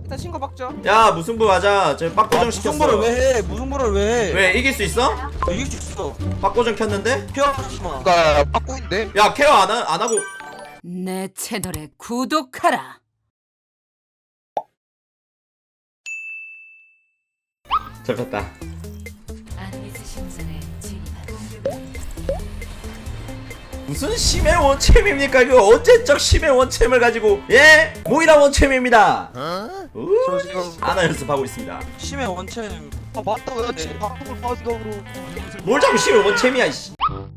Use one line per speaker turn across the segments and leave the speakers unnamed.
일단 신고 박죠.
야 무승부 하자. 저 빡고정 시켰어.
무승부를 왜 해? 무승부를 왜 해?
왜 이길 수 있어?
이길 수 있어.
빡고정 켰는데?
피하지 마.
나 빠꾸인데?
야 케어 안 하고.
내 채널에 구독하라.
잡혔다. 무슨 심해 원챔입니까? 이거 언제적 심해 원챔을 가지고 예? 모이라 원챔입니다.
저 지금
아나 연습하고 있습니다.
심해 원챔.
아 맞다 나 지금 방송을 봐서 그러
뭘 자꾸 심해 원챔이야 이씨.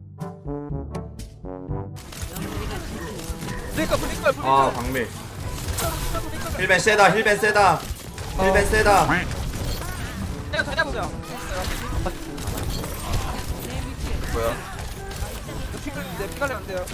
브리까.
아 박밀. 힐벤 세다 힐벤 세다 힐벤 세다.
내가 다 잡으자.
뭐야?
피갈리 안 돼요.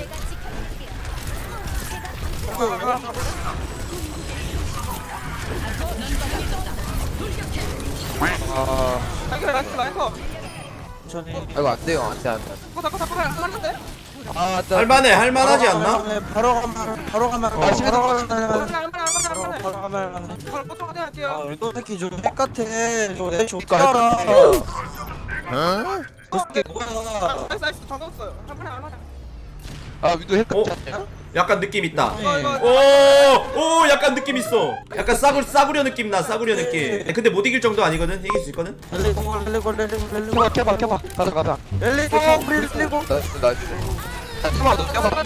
아
라이커.
천천히.
이거 안 돼요 안돼 안돼
닦고 할만한데?
아
할만해 할만하지 않나?
바로 가면 바로 가면
아, 시간
바로
없어.
가면
할만해.
바로 가면.
바로 보통 하자 할게요.
아, 너 새끼 좀 핵같아. 저내 좋게
그러니까
알아.
어?
저 새끼 뭐야?
나이스 다 넣었어요. 할만해.
아 위도 핵
어?
같지 않냐?
약간 느낌 있다.
네.
오 약간 느낌 있어. 약간 싸구려 느낌 나 싸구려 느낌. 근데 못 이길 정도 아니거든. 이길 수 있거든.
렐리고
켜봐 가자
렐리고
나이스 켜봐 너 켜봐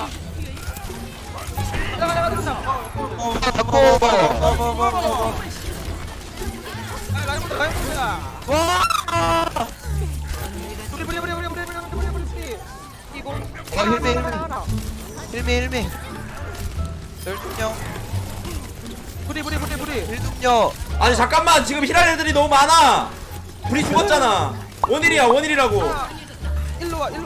힐미 혈중력 혈중력
아니 잠깐만 지금 힐할 애들이 너무 많아. 불이 죽었잖아. 원일이라고.
일로 와.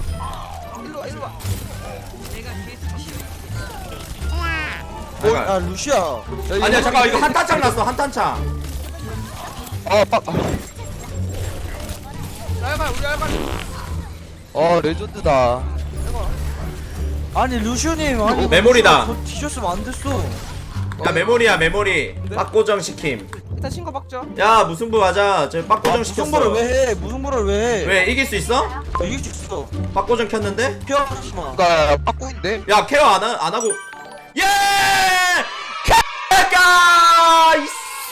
아 루시아.
아니야 잠깐 이거 한탄창 났어 한탄창.
레전드다
아니 루시오님 아니
메모리다.
저 뒤졌으면 안 됐어.
야 메모리야 메모리. 빡고정 시킴.
일단 신고 박죠.
야 무승부 하자. 저 빡고정 시켰어.
무승부를 왜 해? 무승부를 왜 해?
왜 이길 수 있어?
이길 수 있어.
빡고정 켰는데?
피하지 마.
나 빠꾸인데?
야 케어 안 하고. 예! 케가 이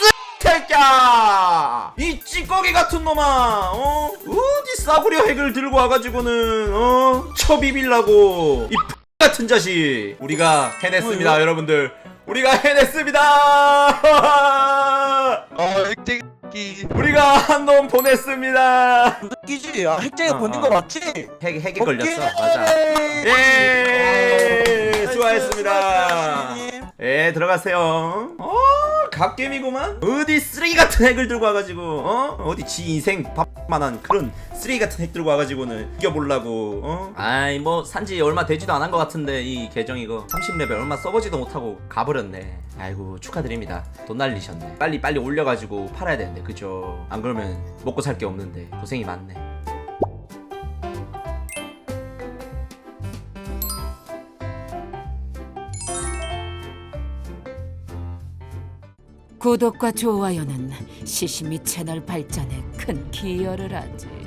새끼야! 이 찌꺼기 같은 놈아! 어디 싸구려 핵을 들고 와가지고는 쳐비빌라고 이 같은 자식. 우리가 해냈습니다 여러분들. 우리가 해냈습니다.
핵쟁이
우리가 한 놈 보냈습니다.
끼지. 아 핵쟁이 보낸 거 맞지?
핵에 걸렸어. 맞아. 예! 수고하셨습니다. 예, 들어가세요. 갓겜이구만. 어디 쓰레기 같은 핵을 들고 와가지고 어디 지 인생 밥만한 그런 쓰레기 같은 핵 들고 와가지고는 이겨보려고. 아이 뭐 산지 얼마 되지도 않은 것 같은데 이 계정 이거 30레벨 얼마 써보지도 못하고 가버렸네. 아이고 축하드립니다. 돈 날리셨네. 빨리 올려가지고 팔아야 되는데 그죠? 안 그러면 먹고 살 게 없는데 고생이 많네.
구독과 좋아요는 시시미 채널 발전에 큰 기여를 하지.